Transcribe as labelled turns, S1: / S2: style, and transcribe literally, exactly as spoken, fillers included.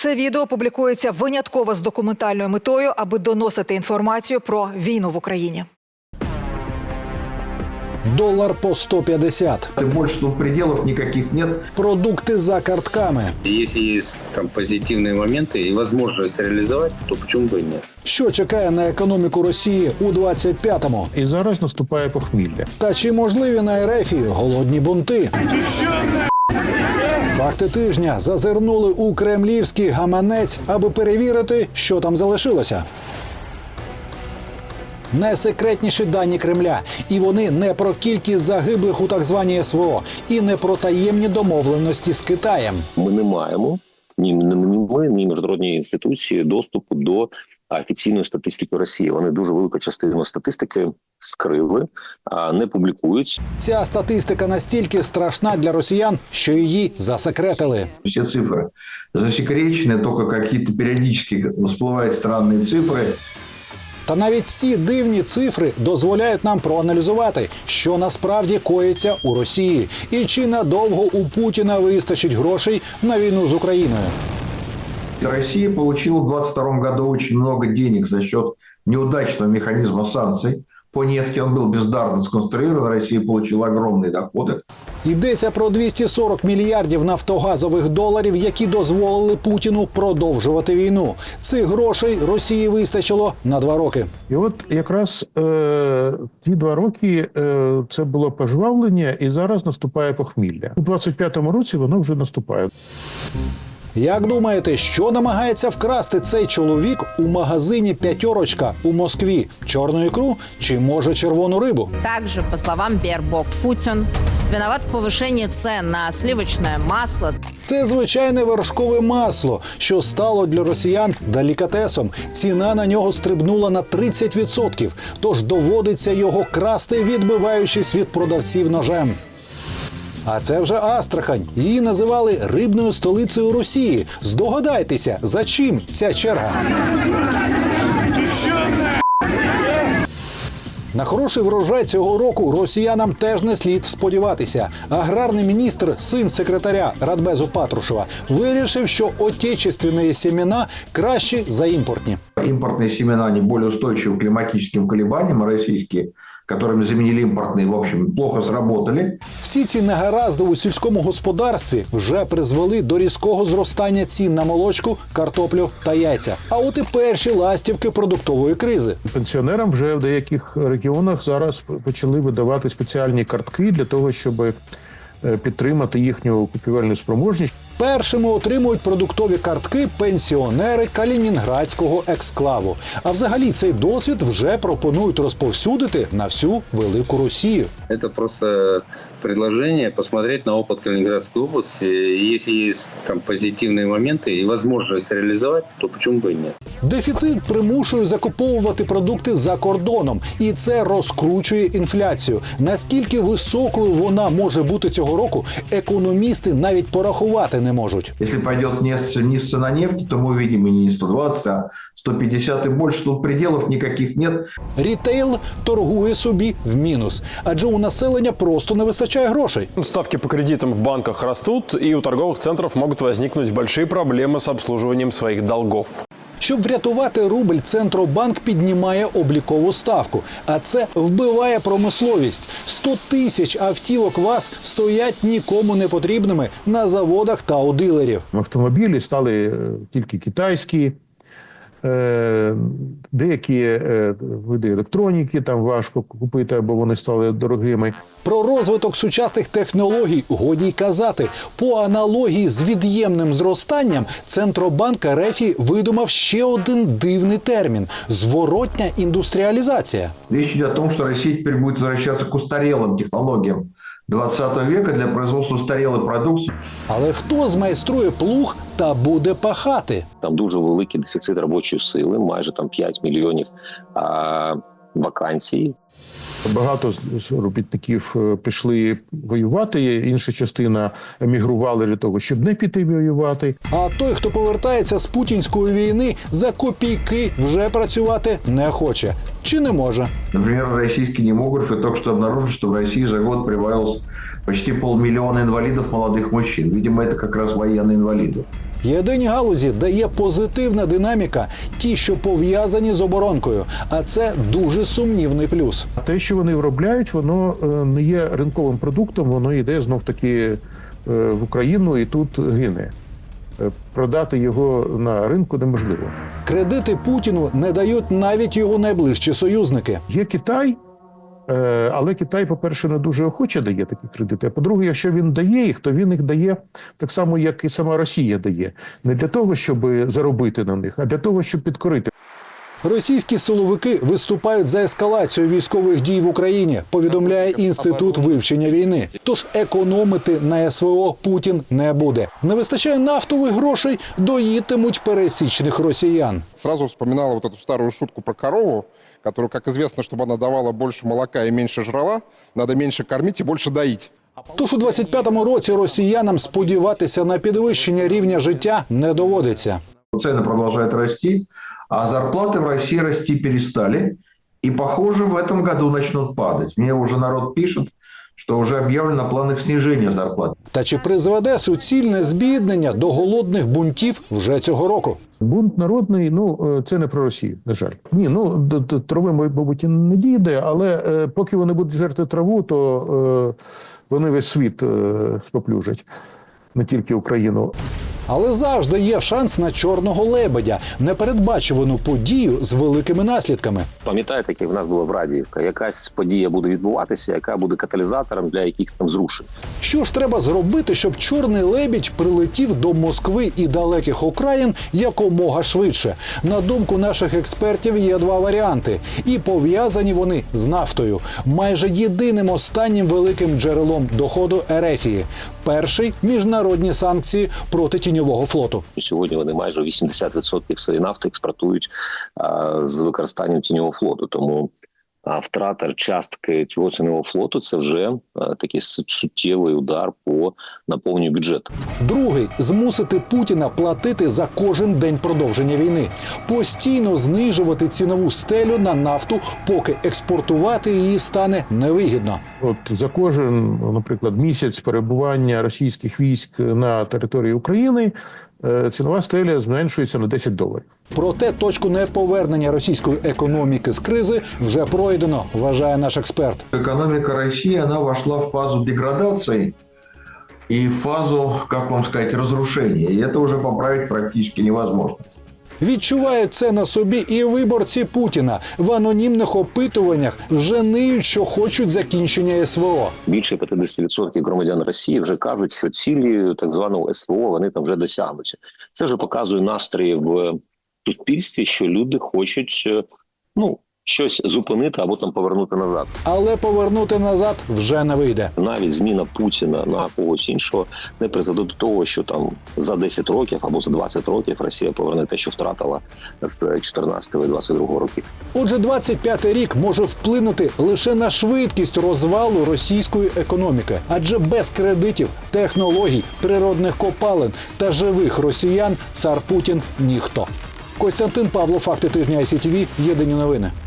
S1: Це відео публікується винятково з документальною метою, аби доносити інформацію про війну в Україні.
S2: Долар по сто п'ятдесят.
S3: Больше тут пределов никаких нет.
S2: Продукти за картками.
S4: Если есть там позитивные моменты и возможность реализовать, то почему бы и нет?
S2: Що чекає на економіку Росії у двадцять п'ятому?
S5: І зараз наступає похмілля.
S2: Та чи можливі на РФі голодні бунти? Факти тижня зазирнули у кремлівський гаманець, аби перевірити, що там залишилося. Найсекретніші дані Кремля. І вони не про кількість загиблих у так званій ес ве о, і не про таємні домовленості з Китаєм.
S6: Ми не маємо, ні, ні ми, ні міжнародні інституції доступу до офіційної статистики Росії. Вони дуже велику частину статистики скрили, не публікують.
S2: Ця статистика настільки страшна для росіян, що її засекретили.
S3: Все цифры засекречены, только какие-то периодически всплывают странные цифры.
S2: Та навіть ці дивні цифри дозволяють нам проаналізувати, що насправді коїться у Росії і чи надовго у Путіна вистачить грошей на війну з Україною.
S3: Россия получила в двадцать втором году очень много денег за счет неудачного механизма санкций. По нефти он был бездарно сконструирован, Россия получила огромные доходы.
S2: Йдеться про двісті сорок мільярдів нафтогазових доларів, які дозволили Путіну продовжувати війну. Цих грошей Росії вистачило на два роки.
S5: І от якраз е, ті два роки е, це було пожвавлення, і зараз наступає похмілля. У двадцять п'ятому році воно вже наступає.
S2: Як думаєте, що намагається вкрасти цей чоловік у магазині «П'ятерочка» у Москві? Чорну ікру чи, може, червону рибу?
S7: Также, по словам Бербок, Путин виноват в повышении цен на сливочное масло.
S2: Це звичайне вершкове масло, що стало для росіян делікатесом. Ціна на нього стрибнула на тридцять відсотків, тож доводиться його красти, відбиваючись від продавців ножем. А це вже Астрахань. Її називали рибною столицею Росії. Здогадайтеся, за чим ця черга? На хороший врожай цього року росіянам теж не слід сподіватися. Аграрний міністр, син секретаря Радбезу Патрушева, вирішив, що отечественні семена кращі за імпортні.
S3: Импортные семена, они более устойчивы к климатическим колебаниям, а российские, которыми заменили импортные, в общем, плохо сработали.
S2: Всі ці негаразди у сільському господарстві вже призвели до різкого зростання цін на молочку, картоплю та яйця. А от і перші ластівки продуктової кризи.
S5: Пенсіонерам вже в деяких регіонах зараз почали видавати спеціальні картки для того, щоб підтримати їхню купівельну спроможність.
S2: Першими отримують продуктові картки пенсіонери Калінінградського ексклаву. А взагалі цей досвід вже пропонують розповсюдити на всю велику Росію.
S4: Это просто предложение посмотреть на опыт Калининградской области. И если есть там позитивные моменты и возможность реализовать, то почему бы и нет?
S2: Дефіцит примушує закуповувати продукти за кордоном. І це розкручує інфляцію. Наскільки високою вона може бути цього року, економісти навіть порахувати не можуть.
S3: Если пойдет низ цена нефти, то мы увидим и не сто двадцать, а сто пятьдесят и больше. Тут пределов никаких нет.
S2: Рітейл торгує собі в мінус. Адже у населення просто не вистачає грошей.
S8: Ставки по кредитам в банках растут, и у торговых центров могут возникнуть большие проблемы с обслуживанием своих долгов.
S2: Щоб врятувати рубль, Центробанк піднімає облікову ставку. А це вбиває промисловість. сто тисяч автівок ВАЗ стоять нікому не потрібними на заводах та у дилерів.
S5: Автомобілі стали тільки китайські, деякі види електроніки там важко купити, або вони стали дорогими.
S2: Про розвиток сучасних технологій годі й казати. По аналогії з від'ємним зростанням, Центробанк РФ видумав ще один дивний термін – зворотня індустріалізація.
S3: Речь идет о том, что Россия теперь будет возвращаться к устарелым технологиям двадцатого века для производства устарелой продукции.
S2: Але хто змайструє плуг та буде пахати?
S6: Там дуже великий дефіцит робочої сили, майже там п'ять мільйонів а, вакансій.
S5: Багато з робітників пішли воювати, інша частина емігрували для того, щоб не піти воювати.
S2: А той, хто повертається з путінської війни, за копійки вже працювати не хоче. Чи не може?
S3: Например, российские демографы только что обнаружили, что в России за год прибавилось почти полмиллиона инвалидов молодых мужчин. Видимо, это как раз военные инвалиды.
S2: Єдині галузі, де є позитивна динаміка, ті, що пов'язані з оборонкою. А це дуже сумнівний плюс.
S5: Те, що вони виробляють, воно е, не є ринковим продуктом, воно йде знов-таки е, в Україну і тут гине. Е, Продати його на ринку неможливо.
S2: Кредити Путіну не дають навіть його найближчі союзники.
S5: Є Китай, е, але Китай, по-перше, не дуже охоче дає такі кредити. А по-друге, якщо він дає їх, то він їх дає так само, як і сама Росія дає. Не для того, щоб заробити на них, а для того, щоб підкорити.
S2: Російські силовики виступають за ескалацію військових дій в Україні, повідомляє Інститут вивчення війни. Тож економити на СВО Путін не буде. Не вистачає нафтових грошей, доїтимуть пересічних росіян.
S9: Сразу вспоминала вот эту старую шутку про корову, которую, как известно, чтобы она давала больше молока и меньше жрала, надо меньше кормить и больше доить.
S2: Тож у двадцять п'ятому році росіянам сподіватися на підвищення рівня життя не доводиться.
S3: Цены продолжают расти, а зарплаты в России расти перестали. И, похоже, в этом году начнут падать. Мне уже народ пишет, что уже объявлено план их снижения зарплат.
S2: Та чи призведе суцільне збіднення до голодних бунтів вже цього року?
S5: Бунт народний, ну, це не про Росію, на жаль. Ні, ну, до, до трави, мабуть, і не дійде, але е, поки вони будуть жерти траву, то е, вони весь світ е, споплюжать, не тільки Україну.
S2: Але завжди є шанс на чорного лебедя – непередбачувану подію з великими наслідками.
S6: Пам'ятаєте, як в нас була в Радіївка? Якась подія буде відбуватися, яка буде каталізатором для яких там зрушень.
S2: Що ж треба зробити, щоб чорний лебідь прилетів до Москви і далеких окраїн якомога швидше? На думку наших експертів, є два варіанти. І пов'язані вони з нафтою. Майже єдиним останнім великим джерелом доходу Ерефії. Перший – міжнародні санкції проти тіньового флоту.
S6: Сьогодні вони майже вісімдесят відсотків своєї нафти експортують а, з використанням тіньового флоту. Тому а, втрата частки цього тіньового флоту – це вже а, такий суттєвий удар по наповненню бюджету.
S2: Другий – змусити Путіна платити за кожен день продовження війни. Постійно знижувати цінову стелю на нафту, поки експортувати її стане невигідно.
S5: От за кожен, наприклад, місяць перебування російських військ на території України е, цінова стеля зменшується на десять доларів.
S2: Проте точку неповернення російської економіки з кризи вже пройдено, вважає наш експерт.
S3: Экономика России, она вошла в фазу деградации и в фазу, как вам сказать, разрушения. И это уже поправить практически невозможно.
S2: Відчувають це на собі і виборці Путіна. В анонімних опитуваннях вже ниють, що хочуть закінчення СВО.
S6: Більше п'ятдесят відсотків громадян Росії вже кажуть, що цілі так званого СВО вони там вже досягнуться. Це вже показує настрої в суспільстві, що люди хочуть, ну, щось зупинити або там повернути назад.
S2: Але повернути назад вже не вийде.
S6: Навіть зміна Путіна на когось іншого не призведе до того, що там за десять років або за двадцять років Росія поверне те, що втратила з чотирнадцятого і двадцять другого років.
S2: Отже, двадцять п'ятий рік може вплинути лише на швидкість розвалу російської економіки. Адже без кредитів, технологій, природних копалин та живих росіян цар Путін – ніхто. Костянтин Павло, факти тижня ай сі ті ві, єдині новини.